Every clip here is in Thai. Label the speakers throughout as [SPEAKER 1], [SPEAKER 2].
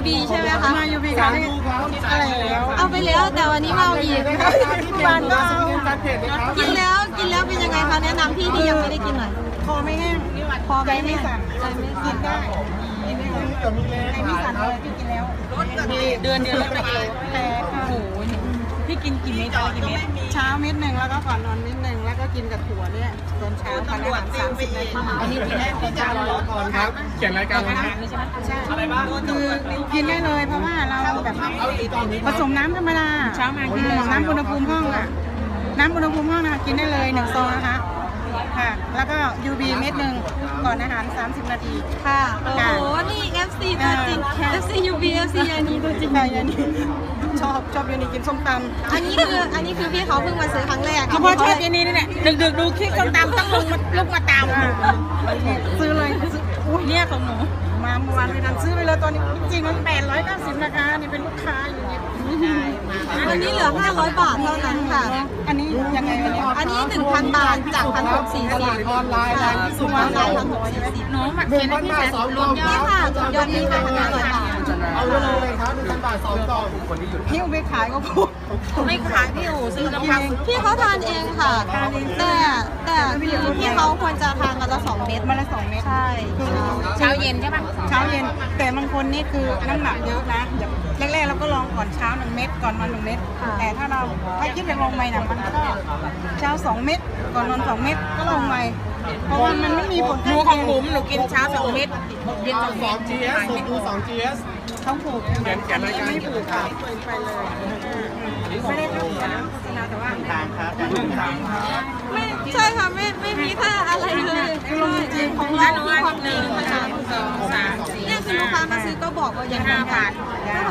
[SPEAKER 1] UB ใช่ไหมคะ
[SPEAKER 2] มา UB ค่ะอะไรแล้ว
[SPEAKER 1] เอาไปแล้วแต่วันนี้มาเอาอีก
[SPEAKER 2] ที่บ้านก็เอา
[SPEAKER 1] กินแล้วเป็นยังไงคะแนะนำพี่ที่ยังไม่ได้กินหน่อย
[SPEAKER 2] คอไม่แห้ง
[SPEAKER 1] พอไม่
[SPEAKER 2] สั่นกินได้ไม่สั่นเลยพี่กินแล้วเดือนละ1 กิโลแต่โอ้โหพี่กินกี่เม็ดเช้าเม็ด1แล้วก็ก่อนนอนเม็ด1แล้วก็กินกับถั่วเนี่ยตอนเช้าทานอาหาร30 นาทีอันนี้กินได้ที่จะรอก่อนครับ
[SPEAKER 3] เขียนรายการแล้วนะ
[SPEAKER 2] ใช่อะไรบ้างคือกินได้เลยเพราะว่าเราแบบผสมน้ำธรรมดาเช้ามากินน้ำอุณหภูมิห้องอ่ะน้ำอุณหภูมิห้องนะกินได้เลย1 ซองนะคะค่ะแล้วก็ UB เม็ด1ก่อนอาหาร30 นาที
[SPEAKER 1] ค่ะโอ้โหนี่ FC ตัวจริง FC UB FC ยานีตัวจริง
[SPEAKER 2] ยานีชอบยานีกินส้มตำ
[SPEAKER 1] อันนี้คือพี่เขาเพิ่งมาซื้อครั้งแรก
[SPEAKER 2] เขาพอชอบยานีนี่แหละดึกดูคลิปส้มตำต้องลุกมาตามซื้อเลยอุ้ยเนี่ยของหนูมาเมื่อวานไม่ทันซื้อไปเลยตอนนี้จริงๆมัน890นะคะนี่เป็นลูกค้าอยู่เนี่ย
[SPEAKER 1] อันนี้เหลือ500 บาทเท่านั้นค่ะ
[SPEAKER 2] อันนี้ยังไง
[SPEAKER 1] อันนี้ 1,000 บาทจาก1,640
[SPEAKER 3] ออนไลน์
[SPEAKER 1] สุวรรณไลน์1,640
[SPEAKER 2] น้องมาเขียนให้พี่แสนรวม
[SPEAKER 1] นี่ค่ะยอดนี้500 บาท
[SPEAKER 3] เอาเลยครับ1,000 บาท2 กล่องคนที่หยุด
[SPEAKER 2] หิ้วไปขายก็พูด
[SPEAKER 1] ไม่ขายพี่อู๋ซื้อน้ำพักพี่เขาทานเองค่ะแต่คือพี่เขาควรจะทานวันละ2 เม็ด
[SPEAKER 2] ใช่
[SPEAKER 1] เช้าเย็นใช่ปะ
[SPEAKER 2] เช้าเย็นแต่บางคนนี่คือน้ำหนักเยอะนะแรกๆเราก็ลองก่อนเช้า1 เม็ดก่อนนอน1 เม็ดแต่ถ้าคิดจะลงใหม่นะมันก็เช้า2 เม็ดก่อนนอน2 เม็ดก็ลงใหม่เพราะว่ามันไม่มีผล
[SPEAKER 1] หนูของผมหนูกินเช้า2 เม็ด
[SPEAKER 3] เย็น2 GS ดู2 GS
[SPEAKER 2] ต้องผูก
[SPEAKER 3] เขียนรายการ
[SPEAKER 2] ไม่ผูกค่ะไปเลยไม่ได้ผูกนะโฆษณาแต่ว่า
[SPEAKER 3] ทางครับ
[SPEAKER 1] ไม่ใช่ค่ะไม่มีค่าอะไรเลยจริงของเราคือความจริงค่ะเนี่ยคือลูกค้ามาซื้อก็บอกว่าอย่าง5,000 บาทแล้ว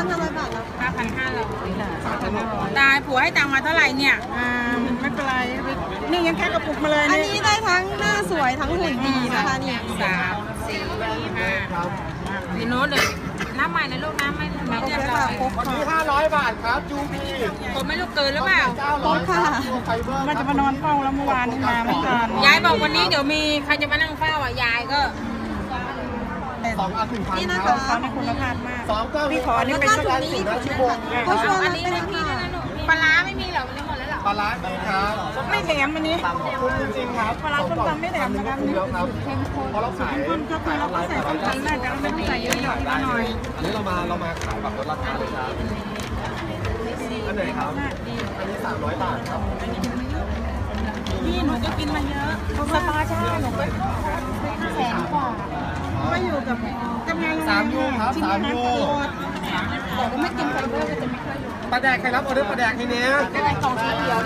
[SPEAKER 2] 5,500ตายผัวให้ตังมาเท่าไหร่เนี่ยไม่เป็นไรนี่ยังแค่กระปุกมาเลย
[SPEAKER 1] อันนี้ได้ทั้งหน้าสวยทั้งหุ่นดีนะคะนี่
[SPEAKER 2] 3 4 5
[SPEAKER 1] พี่โน้ตเลยน้ำใหม่นะลูกน้ำไม่เรียบร้อย
[SPEAKER 3] วันนี้500 บาทครับยูบี
[SPEAKER 1] ผมไม่ลูกเกินหรือเปล่าค่ะ
[SPEAKER 2] มันจะมานอนเฝ้าแล้วเมื่อวานนี้มาไม่ทัน
[SPEAKER 1] ยายบอกวันนี้เดี๋ยวมีใครจะมานั่งเฝ้าอ่ะยายก็
[SPEAKER 3] 2 อัน 1,000
[SPEAKER 1] นี่นะคะ
[SPEAKER 2] เขาในคุณภาพมากพี่ขออันนี้เป็นสัก10 ชั่วโมง
[SPEAKER 1] เขาชวนอันนี้ให้พี่ด้วยนะหนูปลาร้าไม่มีหรอมันจะหมดแล้วหรอ
[SPEAKER 3] ปลาร้าดีครับ
[SPEAKER 2] ไม่แถมอันนี้
[SPEAKER 3] คุณจริงๆครับ
[SPEAKER 2] ปลาร้าส้มตำไม่แถมนะครับนี่
[SPEAKER 3] เพราะเราขาย
[SPEAKER 2] ก็คือเราใส่ส้มตำได้แต่เราไม่ต้องใส่เยอะๆหน่อย
[SPEAKER 3] อันนี้เรามาขายแบบลดราคาเลยครับอันไหนครับอันนี้300 บาทครับ
[SPEAKER 2] พี่หนูก็กินมาเยอะสปาใช่หนูก็100,000 กว่าก็อยู่กับงาน
[SPEAKER 3] 3 ยูครับ3 ยู
[SPEAKER 2] แต่ก็ไม่กินไฟเบอร์ก็จะไม่ค่อยอยู่
[SPEAKER 3] ปลาแดกใครรับออเดอร์ปลาแดกให้เนี้ย
[SPEAKER 2] ได้กล่องสีเขียว